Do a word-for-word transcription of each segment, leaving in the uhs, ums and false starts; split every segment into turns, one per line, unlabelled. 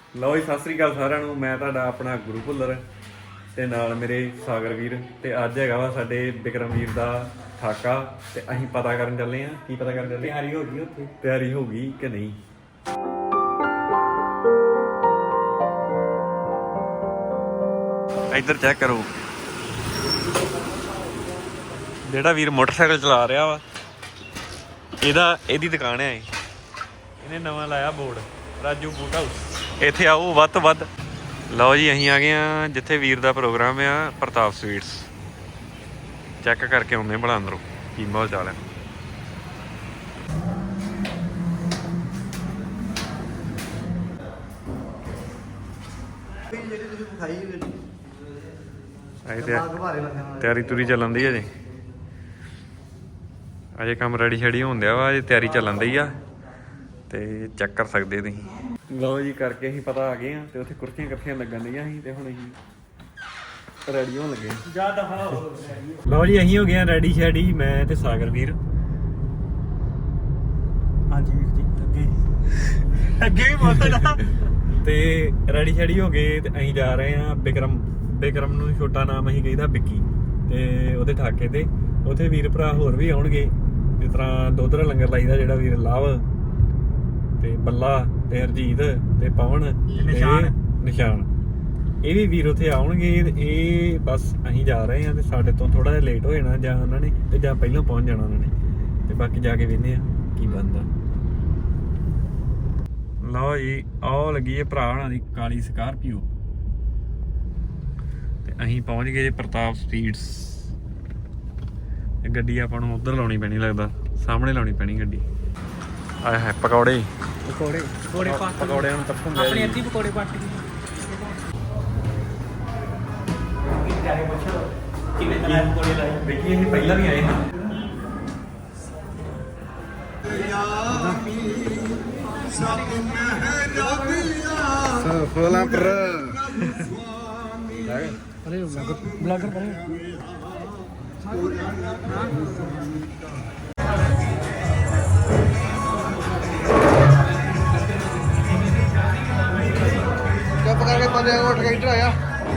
ਲਓ ਜੀ, ਸਤਿ ਸ੍ਰੀ ਅਕਾਲ ਸਾਰਿਆਂ ਨੂੰ। ਮੈਂ ਤੁਹਾਡਾ ਆਪਣਾ ਗੁਰੂ ਭੁੱਲਰ ਤੇ ਨਾਲ ਮੇਰੇ ਸਾਗਰ ਵੀਰ। ਤੇ ਅੱਜ ਹੈਗਾ ਵਾ ਸਾਡੇ ਵਿਕਰਮ ਵੀਰ ਦਾ ਠਾਕਾ ਤੇ ਅਸੀਂ ਪਤਾ ਕਰਨ ਚੱਲੇ ਆਂ। ਕੀ ਪਤਾ ਕਰਨ ਚੱਲੇ?
ਤਿਆਰੀ ਹੋ ਗਈ ਉੱਥੇ,
ਤਿਆਰੀ ਹੋ ਗਈ ਕਿ ਨਹੀਂ। ਇੱਧਰ ਚੈੱਕ ਕਰੋ, ਜਿਹੜਾ ਵੀਰ ਮੋਟਰਸਾਈਕਲ ਚਲਾ ਰਿਹਾ ਵਾ ਇਹਦਾ ਇਹਦੀ ਦੁਕਾਨ ਹੈ। ਇਹਨੇ ਨਵਾਂ ਲਾਇਆ ਬੋਰਡ ਰਾਜੂ ਬੂਟ ਹਾਊਸ। ਇੱਥੇ ਆਓ ਵੱਧ ਤੋਂ ਵੱਧ। ਲਓ ਜੀ, ਅਸੀਂ ਆ ਗਏ ਆ ਜਿੱਥੇ ਵੀਰ ਦਾ ਪ੍ਰੋਗਰਾਮ ਆ, ਪ੍ਰਤਾਪ ਸਵੀਟਸ। ਚੈੱਕ ਕਰਕੇ ਆਉਂਦੇ ਭਲਾ ਅੰਦਰੋਂ ਕੀ ਮਾਹੌਲ ਚਾਲ ਹੈ। ਤਿਆਰੀ ਤੁਰੀ ਚੱਲਣ ਦੀ ਅਜੇ ਅਜੇ ਕੰਮ ਰੈਡੀ ਸ਼ੈਡੀ ਹੋਣ ਦਿਆ ਵਾ। ਅਜੇ ਤਿਆਰੀ ਚੱਲਣ ਦੀ ਆ ਤੇ ਚੈੱਕ ਕਰ ਸਕਦੇ ਤੁਸੀਂ। ਲਓ ਜੀ, ਕਰਕੇ ਅਸੀਂ ਪਤਾ ਆ ਗਏ ਆ ਤੇ ਉੱਥੇ ਕੁਰਸੀਆਂ ਕੱਥੀਆਂ ਲੱਗਣ ਦੀਆਂ ਸੀ ਤੇ ਹੁਣ ਅਸੀਂ ਰੈਡੀ ਹੋਣ ਲੱਗੇ।
ਜਾ ਦਫਾ ਹੋ।
ਲਓ ਜੀ, ਅਸੀਂ ਹੋ ਗਏ ਆ ਰੈਡੀ ਸ਼ੈਡੀ, ਮੈਂ ਤੇ ਸਾਗਰ ਵੀਰ।
ਹਾਂਜੀ ਵੀਰ ਜੀ, ਅੱਗੇ ਅੱਗੇ ਵੀ ਬੋਲਣਾ।
ਤੇ ਰੈਡੀ ਸ਼ੈਡੀ ਹੋ ਗਏ ਤੇ ਅਸੀਂ ਜਾ ਰਹੇ ਆ ਵਿਕਰਮ। ਵਿਕਰਮ ਨੂੰ ਛੋਟਾ ਨਾਮ ਅਸੀਂ ਕਹਿੰਦਾ ਵਿੱਕੀ, ਤੇ ਉਹਦੇ ਠਾਕੇ ਤੇ ਉੱਥੇ ਵੀਰ ਭਰਾ ਹੋਰ ਵੀ ਆਉਣਗੇ। ਜਿਸ ਤਰ੍ਹਾਂ ਦੋਧਰਾ ਲੰਗਰ ਲਾਈਦਾ, ਜਿਹੜਾ ਵੀਰ ਲਾਭ ਤੇ ਬੱਲਾ ਤੇ ਹਰਜੀਤ ਤੇ ਪਵਨ ਤੇ
ਨਿਸ਼ਾਨ
ਨਿਸ਼ਾਨ ਇਹ ਵੀ ਵੀਰ ਉੱਥੇ ਆਉਣਗੇ। ਇਹ ਬਸ ਅਸੀਂ ਜਾ ਰਹੇ ਆ ਤੇ ਸਾਡੇ ਤੋਂ ਥੋੜਾ ਜਿਹਾ ਲੇਟ ਹੋ ਜਾਣਾ, ਜਾਂ ਉਹਨਾਂ ਨੇ ਤੇ ਜਾਂ ਪਹਿਲਾਂ ਪਹੁੰਚ ਜਾਣਾ ਉਹਨਾਂ ਨੇ। ਤੇ ਬਾਕੀ ਜਾ ਕੇ ਵੇਖਦੇ ਆ ਕੀ ਬਣਦਾ। ਲਓ ਜੀ, ਆਹ ਲੱਗੀ ਹੈ ਭਰਾ ਹੋਣਾ ਦੀ ਕਾਲੀ ਸਕਾਰਪੀਓ ਤੇ ਅਸੀਂ ਪਹੁੰਚ ਗਏ ਜੀ ਪ੍ਰਤਾਪ ਸਪੀਡਸ। ਇਹ ਗੱਡੀ ਆਪਾਂ ਨੂੰ ਉਧਰ ਲਾਉਣੀ ਪੈਣੀ, ਲੱਗਦਾ ਸਾਹਮਣੇ ਲਾਉਣੀ ਪੈਣੀ ਗੱਡੀ। ਆਏ ਹੈ ਪਕੌੜੇ
ਪਕੌੜੇ ਪਕੌੜੇ ਪਾ
ਪਕੌੜਿਆਂ ਨੂੰ ਤੱਕਣ ਦੇ
ਆਪਣੇ ਅੱਧੀ ਪਕੌੜੇ ਪੱਟ ਕੇ ਜਾ ਕੇ ਪੁੱਛੋ ਕਿਵੇਂ ਤਰ੍ਹਾਂ ਪਕੌੜੇ ਲਾਏ।
ਦੇਖੀ ਅਸੀਂ ਪਹਿਲਾਂ ਵੀ ਆਏ ਹਾਂ।
ਫੋਲਾਂ ਪਰ
ਅਰੇ ਬਲੌਗਰ ਬਣੇ।
ਚੁੱਪ ਕਰਕੇ ਬੰਦੇ ਉੱਠ ਕੇ ਇੱਧਰ ਆਇਆ।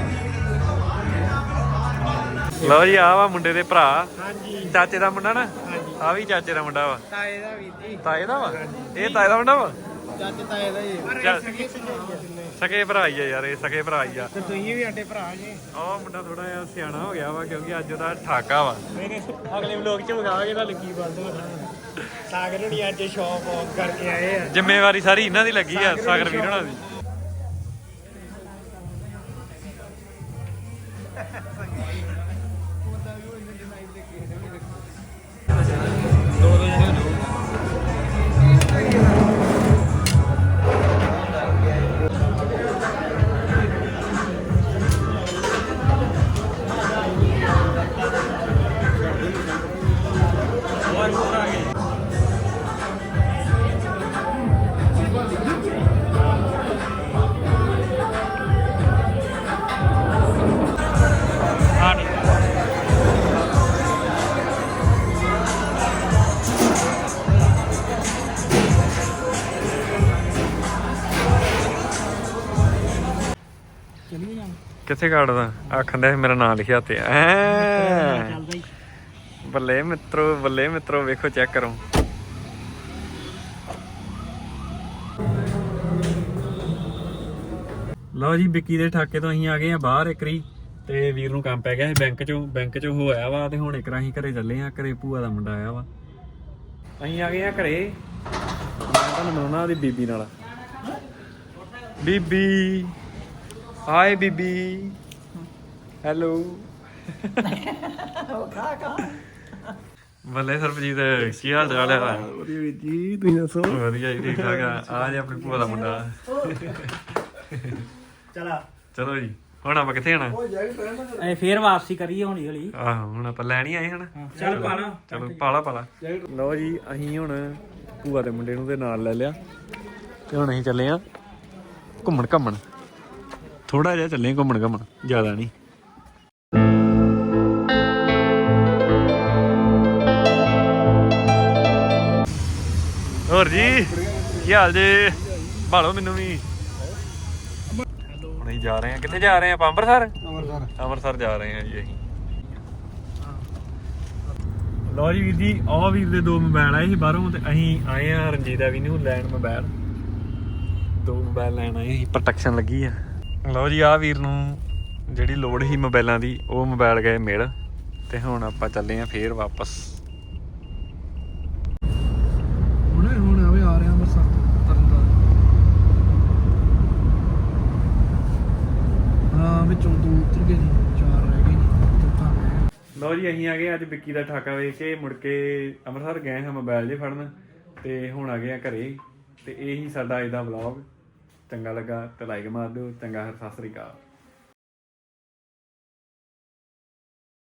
ਲਓ ਜੀ, ਆਹ ਵਾ ਮੁੰਡੇ ਦੇ ਭਰਾ,
ਹਾਂਜੀ
ਚਾਚੇ ਦਾ ਮੁੰਡਾ ਨਾ।
ਹਾਂਜੀ,
ਆ ਵੀ ਚਾਚੇ ਦਾ ਮੁੰਡਾ ਵਾ।
ਤਾਏ ਦਾ ਵੀਰ ਜੀ,
ਤਾਏ ਦਾ ਵਾ ਇਹ? ਤਾਏ ਦਾ ਮੁੰਡਾ ਵਾ।
ਚਾਚੇ ਤਾਏ ਦਾ ਹੀ
ਚੱਲ।
ਸਕੇ
ਸਕੇ ਭਰਾ ਹੀ ਆ ਯਾਰ, ਇਹ ਸਕੇ ਭਰਾ ਹੀ ਆ।
ਤੇ ਤੁਸੀਂ ਵੀ ਸਾਡੇ ਭਰਾ ਜੀ।
ਆਹ ਮੁੰਡਾ ਥੋੜਾ ਜਿਹਾ ਸਿਆਣਾ ਹੋ ਗਿਆ ਵਾ, ਕਿਉਂਕਿ ਅੱਜ ਉਹਦਾ ਠਾਕਾ ਵਾ।
ਮੇਰੇ ਅਗਲੇ ਵਲੋਗ ਚ ਵਿਖਾਵਾਂਗੇ ਤੁਹਾਨੂੰ ਕੀ ਬਣਦਾ। ਸਾਗਰ ਹੁਣੀ ਅੱਜ ਸ਼ੌਪ ਆਫ ਕਰਕੇ ਆਏ ਆ।
ਜ਼ਿੰਮੇਵਾਰੀ ਸਾਰੀ ਇਹਨਾਂ ਦੀ ਲੱਗੀ ਆ, ਸਾਗਰ ਵੀਰ ਹੋਣਾ ਦੀ। ਕਿੱਥੇ ਕਾਟਦਾ? ਆਖਣ ਦਾ ਮੇਰਾ ਨਾਂ ਲਿਖਿਆ ਤੇ ਐ। ਬੱਲੇ ਮਿੱਤਰੋ, ਬੱਲੇ ਮਿੱਤਰੋ, ਵੇਖੋ ਚੈੱਕ ਕਰੋ। ਲਓ ਜੀ, ਵਿੱਕੀ ਦੇ ਠਾਕੇ ਤੋਂ ਅਸੀਂ ਆ ਗਏ ਆ ਬਾਹਰ ਇੱਕਰੀ। ਤੇ ਵੀਰ ਨੂੰ ਕੰਮ ਪੈ ਗਿਆ ਸੀ ਬੈਂਕ ਚੋਂ ਬੈਂਕ ਚੋਂ ਹੋਇਆ ਵਾ। ਤੇ ਹੁਣ ਇੱਕ ਰਾਂ ਅਸੀਂ ਘਰੇ ਚੱਲੇ ਆ। ਘਰੇ ਭੂਆ ਦਾ ਮੁੰਡਾ ਆਇਆ ਵਾ। ਅਸੀਂ ਆ ਗਏ ਆ ਘਰੇ। ਮੈਂ ਤੁਹਾਨੂੰ ਮਿਲਾਉਣਾ ਉਹਦੀ ਬੀਬੀ ਨਾਲ। ਬੀਬੀ, ਹਾਏ ਬੀਬੀ, ਹੈਲੋ। ਬੱਲੇ ਸਰਬਜੀਤ, ਕੀ ਹਾਲ ਚਾਲ ਹੈ?
ਵਧੀਆ ਵੀਰ ਜੀ, ਤੁਸੀਂ ਦੱਸੋ?
ਵਧੀਆ ਜੀ, ਠੀਕ ਠਾਕ ਆ। ਆ ਜੀ ਆਪਣੀ ਭੂਆ ਦਾ ਮੁੰਡਾ।
ਚਲਾ
ਚਲੋ ਜੀ, ਹੁਣ ਆਪਾਂ ਕਿੱਥੇ ਜਾਣਾ?
ਐ ਫੇਰ ਵਾਪਸੀ ਕਰੀਏ ਹੌਲੀ ਹੌਲੀ।
ਆਹੋ, ਹੁਣ ਆਪਾਂ ਲੈਣ ਹੀ ਆਏ ਹਨਾ।
ਚੱਲ ਪਾਲਾ।
ਚਲੋ ਪਾਲਾ ਪਾਲਾ। ਲਓ ਜੀ, ਅਸੀਂ ਹੁਣ ਭੂਆ ਦੇ ਮੁੰਡੇ ਨੂੰ ਤੇ ਨਾਲ ਲੈ ਲਿਆ ਤੇ ਹੁਣ ਅਸੀਂ ਚੱਲੇ ਆ ਘੁੰਮਣ ਘੁੰਮਣ। ਥੋੜਾ ਜਿਹਾ ਚੱਲੇ ਘੁੰਮਣ ਘੁੰਮਣ, ਜ਼ਿਆਦਾ ਨਹੀਂ। ਹੋਰ ਜੀ, ਕੀ ਹਾਲ ਜੇ? ਭਾਲੋ ਮੈਨੂੰ ਵੀ। ਹੁਣ ਅਸੀਂ ਜਾ ਰਹੇ ਹਾਂ ਕਿੱਥੇ ਜਾ ਰਹੇ ਹਾਂ ਆਪਾਂ ਅੰਮ੍ਰਿਤਸਰ
ਅੰਮ੍ਰਿਤਸਰ
ਅੰਮ੍ਰਿਤਸਰ ਜਾ ਰਹੇ ਹਾਂ ਜੀ ਅਸੀਂ ਲਓ ਜੀ ਵੀਰ ਜੀ ਆਹ ਵੀਰ ਦੇ ਦੋ ਮੋਬਾਈਲ ਆਏ ਸੀ ਬਾਹਰੋਂ ਤੇ ਅਸੀਂ ਆਏ ਆ ਰਣਜੀਤ ਐਵੀ ਨੂੰ ਲੈਣ ਮੋਬਾਈਲ ਦੋ ਮੋਬਾਈਲ ਲੈਣ ਆਏ ਸੀ ਪ੍ਰੋਟੈਕਸ਼ਨ ਲੱਗੀ ਆ ਲਓ ਜੀ ਆਹ ਵੀਰ ਨੂੰ ਜਿਹੜੀ ਲੋੜ ਸੀ ਮੋਬਾਈਲਾਂ ਦੀ ਉਹ ਮੋਬਾਈਲ ਗਏ ਮਿਲ ਤੇ ਹੁਣ ਆਪਾਂ ਚੱਲੇ ਆ ਫੇਰ ਵਾਪਸ
ਹੁਣੇ ਹੁਣ ਆਵੇ ਆ ਰਿਹਾ ਅੰਮ੍ਰਿਤਸਰ ਤਰਨਤਾਰਨ ਹਾਂ ਵਿੱਚੋਂ ਦੋ ਉਤਰ ਗਏ ਨੇ ਚਾਰ ਰਹਿ ਗਏ ਨੇ ਚੌਥਾ
ਲਓ ਜੀ ਅਸੀਂ ਆ ਗਏ ਅੱਜ ਵਿੱਕੀ ਦਾ ਠਾਕਾ ਵੇਖ ਕੇ ਮੁੜ ਕੇ ਅੰਮ੍ਰਿਤਸਰ ਗਏ ਹਾਂ ਮੋਬਾਈਲ ਜੇ ਫੜਨ ਤੇ ਹੁਣ ਆ ਗਏ ਆ ਘਰੇ ਤੇ ਇਹੀ ਸਾਡਾ ਅੱਜ ਦਾ ਵਲੌਗ ਚੰਗਾ ਲੱਗਾ ਤੇ ਲਾਈਕ ਮਾਰ ਦਿਓ ਚੰਗਾ ਸਤਿ ਸ੍ਰੀ ਅਕਾਲ